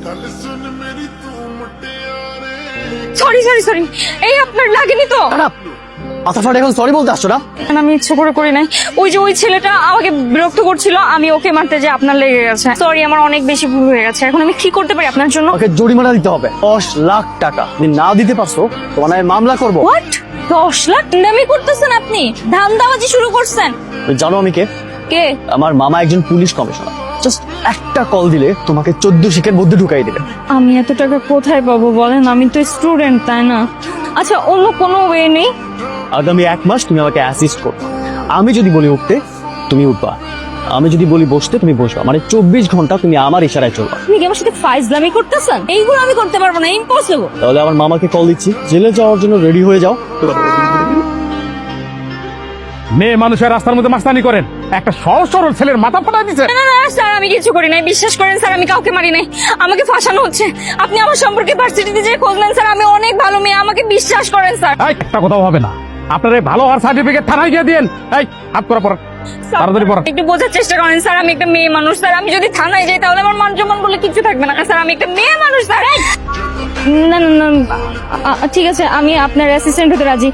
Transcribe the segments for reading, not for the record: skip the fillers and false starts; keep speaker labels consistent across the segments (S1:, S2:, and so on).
S1: Sorry sorry sorry, এই আপনার লাগেনি তো?
S2: আচ্ছা ফাটে এখন সরি বলতে আসছো না?
S1: আমি ইচ্ছে করে করি নাই। ওই যে ওই ছেলেটা আমাকে বিরক্ত করছিল, আমি ওকে মারতে যে আপনার লেগে গেছে। সরি, আমার অনেক বেশি ভুল হয়ে গেছে। এখন আমি কি করতে পারি আপনার জন্য?
S2: ওকে জরিমানা দিতে হবে 10 লাখ টাকা। যদি না দিতে পারছো তোমার নামে মামলা করবো।
S1: হোয়াট? 10 লাখ দামি করতেছেন আপনি? ধান্দাবাজি শুরু করছেন।
S2: জানো আমি কে?
S1: কে?
S2: আমার মামা একজন পুলিশ কমিশনার। জাস্ট একটা কল দিলে তোমাকে 14 শিখের মধ্যে ঢুকাই দিবে।
S1: আমি এত টাকা কোথায় পাবো বলেন? আমি তো স্টুডেন্ট, তাই না? আচ্ছা, অন্য কোনো ওয়ে নেই?
S2: আগামী 1 মাস তুমি আমাকে অ্যাসিস্ট করো। আমি যদি বলি উঠতে তুমি উঠবা, আমি যদি বলি বসতে তুমি বসবা। মানে 24 ঘন্টা তুমি আমার ইশারায় চলবা।
S1: আপনি কি আমার সাথে ফাইজলামি করতেছেন? এইগুলো আমি করতে পারবো না, ইম্পসিবল।
S2: তাহলে আমার মামাকে কল দিচ্ছি, জেলে যাওয়ার জন্য রেডি হয়ে যাও।
S3: মেয়ে মানুষের রাস্তার মধ্যে মাস্তানি করেন, একটা সহজ সরল ছেলের মাথা ফাটাই দিচ্ছে।
S1: না না স্যার, আমি কিছু করি নাই, বিশ্বাস করেন স্যার, আমি কাউকে মারি নাই। আমাকে ফাঁসানো হচ্ছে। আপনি আমার সম্পর্কে ভার্সিটিতে যে খোঁজ নেন স্যার, আমি অনেক ভালো মেয়ে, আমাকে বিশ্বাস করেন স্যার।
S3: এই একটা কথাও হবে না। আপনার এই ভালো হওয়ার সার্টিফিকেট থানায় গিয়ে দিন। এই হাত করা পড়া, তাড়াতাড়ি পড়া।
S1: একটু বোঝার চেষ্টা করেন স্যার, আমি একটা মেয়ে মানুষ স্যার। আমি যদি থানায় যাই তাহলে আমার মান সম্মান বলে কিছু থাকবে না স্যার। আমি একটা মেয়ে মানুষ স্যার। না না না, ঠিক আছে, আমি আপনার অ্যাসিস্ট্যান্ট হতে রাজি।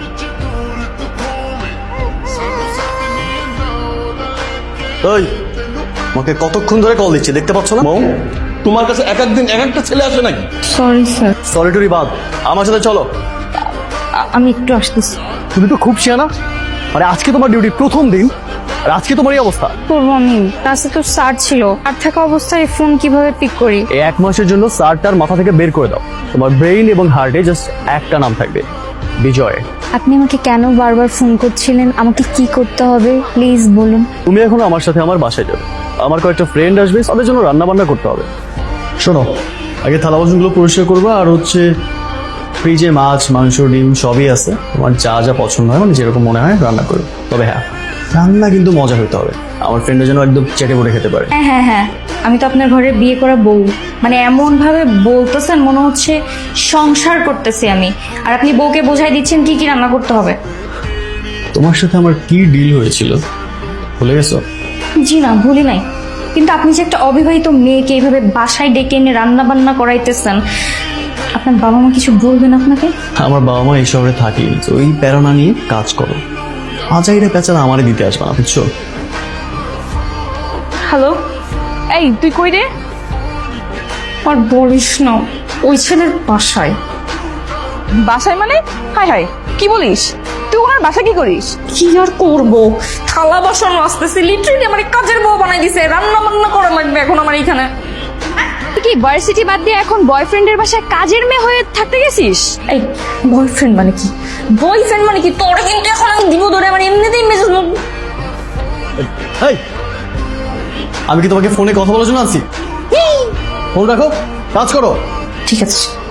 S2: ওই আমাকে কতক্ষণ ধরে কল দিচ্ছে দেখতে পাচ্ছ না? মৌ,
S4: তোমার কাছে এক একদিন এক একটা ছেলে আসে নাকি?
S1: সরি স্যার,
S2: সলিটরি বাদ, আমার সাথে চলো।
S1: আমি একটু আসতেছি।
S2: তুমি তো খুব শিয়ানা। মানে আজকে তোমার ডিউটি প্রথম দিন আর আজকে তোমার এই অবস্থা।
S1: করবো আমি, কাছে তো স্যার ছিল। আর থাকা অবস্থায় ফোন কিভাবে পিক করি?
S2: এই 1 মাসের জন্য স্যারটার মাথা থেকে বের করে দাও। তোমার ব্রেইন এবং হার্টে জাস্ট একটা নাম থাকবে, বিজয়।
S1: আপনি আমাকে কেন বারবার ফোন করছিলেন? আমাকে কি করতে হবে প্লিজ বলুন।
S2: তুমি এখন আমার সাথে আমার বাসায় যাবে। আমার কয়েকটা ফ্রেন্ড আসবে, তাদের জন্য রান্না বান্না করতে হবে। শোনো, আগে থালা বাসনগুলো পরিষ্কার করবা। আর হচ্ছে ফ্রিজে মাছ, মাংস, ডিম সবই আছে। তোমার যা যা পছন্দ হয়, মানে যেরকম মনে হয় রান্না করো। তবে হ্যাঁ, রান্না কিন্তু মজা হতে হবে। আমার ফ্রেন্ডের জন্য একদম চেটে পড়ে খেতে পারে।
S1: হ্যাঁ হ্যাঁ হ্যাঁ, আমি তো আপনার ঘরে বিয়ে করা বউ। মানে এমন ভাবে বলতেছেন মনে হচ্ছে সংসার করতেছি আমি। আর আপনি বউকে বোঝাই দিচ্ছেন কি কি রান্না করতে হবে।
S2: তোমার সাথে আমার কি ডিল হয়েছিল ভুলে গেছো?
S1: জি না, ভুলি নাই। কিন্তু আপনি যে একটা অবিবাহিত মেয়েকে এইভাবে বাসায় ডেকে এনে রান্না বান্না করাইতেছেন, আপনার বাবা মা কিছু বলবেন আপনাকে?
S2: আমার বাবা মা এই শহরে থাকি, তো ওই প্যারোনা নিয়ে কাজ করো। আজাইরা পেঁচারা আমারে দিতে আসবে না, বুঝছো?
S1: হ্যালো, এই তুই কই রে? আর বলিস না, ওই ছেলের বাসায়।
S5: বাসায় মানে? হাই হাই, কি বলিস? তুই ওনার বাসা কি করিস?
S1: কি আর করবো, থালা বাসন আসতেছে। লিটারেলি আমার কাজের বউ বানাই দিছে। রান্না বান্না করা লাগবে এখন আমার এখানে।
S5: তুই কি ভার্সিটি বাদ দিয়ে এখন বয়ফ্রেন্ডের বাসায় কাজের মেয়ে হয়ে থাকতে গেছিস?
S1: এই বয়ফ্রেন্ড মানে কি? বয়ফ্রেন্ড মানে কি? তোর কিন্তু এখন আমি দিব ধরে, আমার এমনিতেই মেজাজ।
S2: এই, আমি কি তোমাকে ফোনে কথা বলার জন্য আনছি? ফোন রাখো, কাজ করো।
S1: ঠিক আছে।